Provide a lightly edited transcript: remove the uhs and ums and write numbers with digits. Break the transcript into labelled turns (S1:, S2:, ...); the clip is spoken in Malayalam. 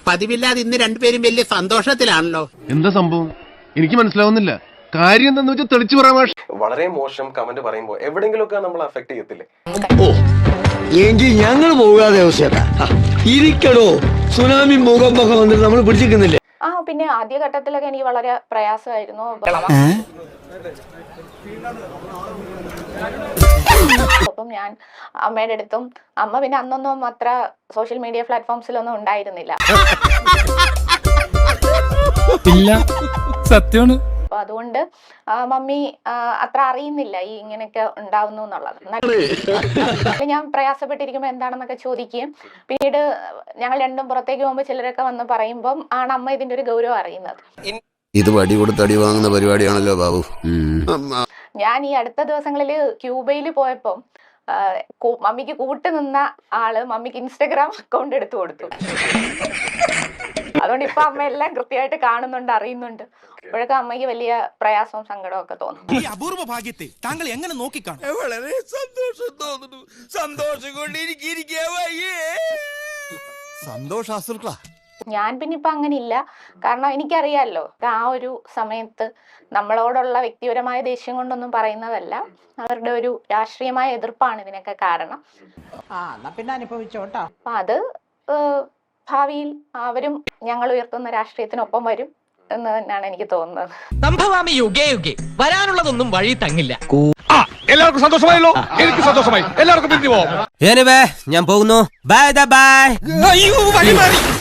S1: പതിവില്ലാതെ ഇന്ന് രണ്ടുപേരും വലിയ സന്തോഷത്തിലാണല്ലോ.
S2: എന്താ സംഭവം എനിക്ക് മനസ്സിലാവുന്നില്ല. കാര്യം എന്താന്ന് വെച്ചാൽ തെളിച്ചു പറയാൻ മാഷ്.
S3: വളരെ മോശം കമന്റ് പറയുമ്പോൾ എവിടെയെങ്കിലുമൊക്കെ നമ്മൾ അഫക്ട് ചെയ്യത്തില്ലേ?
S4: എങ്കിൽ ഞങ്ങൾ പോകാതെ ഇരിക്കടോ. സുനാമി മുഖം വന്നിട്ട് നമ്മൾ പിടിച്ചിരിക്കുന്നില്ലേ?
S5: പിന്നെ ആദ്യഘട്ടത്തിലൊക്കെ എനിക്ക് വളരെ പ്രയാസമായിരുന്നു. അപ്പം ഞാൻ അമ്മയുടെ അടുത്തും, അമ്മ പിന്നെ അന്നൊന്നും അത്ര സോഷ്യൽ മീഡിയ പ്ലാറ്റ്ഫോംസിലൊന്നും ഉണ്ടായിരുന്നില്ല.
S6: സത്യമാണ്.
S5: അപ്പൊ അതുകൊണ്ട് മമ്മി അത്ര അറിയുന്നില്ല ഈ ഇങ്ങനെയൊക്കെ ഉണ്ടാവുന്നു എന്നുള്ളത്. ഞാൻ പ്രയാസപ്പെട്ടിരിക്കുമ്പോ എന്താണെന്നൊക്കെ ചോദിക്കുകയും പിന്നീട് ഞങ്ങൾ രണ്ടും പുറത്തേക്ക് പോകുമ്പോൾ ചിലരൊക്കെ വന്ന് പറയുമ്പം ആണ് അമ്മ ഇതിന്റെ ഒരു ഗൗരവം അറിയുന്നത്.
S7: ഇത് വടി കൊടുത്ത് അടി വാങ്ങുന്ന പരിപാടിയാണല്ലോ ബാബു.
S5: ഞാൻ ഈ അടുത്ത ദിവസങ്ങളിൽ ക്യൂബയിൽ പോയപ്പം മമ്മിക്ക് കൂട്ടുനിന്ന ആള് മമ്മിക്ക് ഇൻസ്റ്റഗ്രാം അക്കൗണ്ട് എടുത്തു കൊടുത്തു. അതുകൊണ്ട് ഇപ്പൊ അമ്മ എല്ലാം കൃത്യമായിട്ട് കാണുന്നുണ്ട്, അറിയുന്നുണ്ട്. അപ്പോഴൊക്കെ അമ്മയ്ക്ക് വലിയ പ്രയാസവും സങ്കടവും ഒക്കെ തോന്നും.
S8: ഈ അപൂർവ ഭാഗ്യത്തെ താങ്കൾ എങ്ങനെ നോക്കിക്കാണും?
S4: വളരെ സന്തോഷം തോന്നുന്നു. സന്തോഷം കൊണ്ട്
S5: ഞാൻ പിന്നെ ഇപ്പൊ അങ്ങനെ ഇല്ല. കാരണം എനിക്കറിയാലോ ആ ഒരു സമയത്ത് നമ്മളോടുള്ള വ്യക്തിപരമായ ദേഷ്യം കൊണ്ടൊന്നും പറയുന്നതല്ല, അവരുടെ ഒരു രാഷ്ട്രീയമായ എതിർപ്പാണ് ഇതിനൊക്കെ കാരണം.
S9: പിന്നെ അനുഭവിച്ചോട്ടോ.
S5: അപ്പൊ അത് ഭാവിയിൽ അവരും ഞങ്ങൾ ഉയർത്തുന്ന രാഷ്ട്രീയത്തിനൊപ്പം വരും എന്ന് തന്നെയാണ് എനിക്ക് തോന്നുന്നത്.
S10: സംഭവാമി യുഗേ യുഗേ വരാനുള്ളതൊന്നും വഴി തങ്ങില്ല.
S2: എല്ലാവർക്കും സന്തോഷമായല്ലോ. എനിക്ക് സന്തോഷമായി. എല്ലാവർക്കും പിരിഞ്ഞു പോവാം.
S10: ഞാൻ പോകുന്നു. Bye by.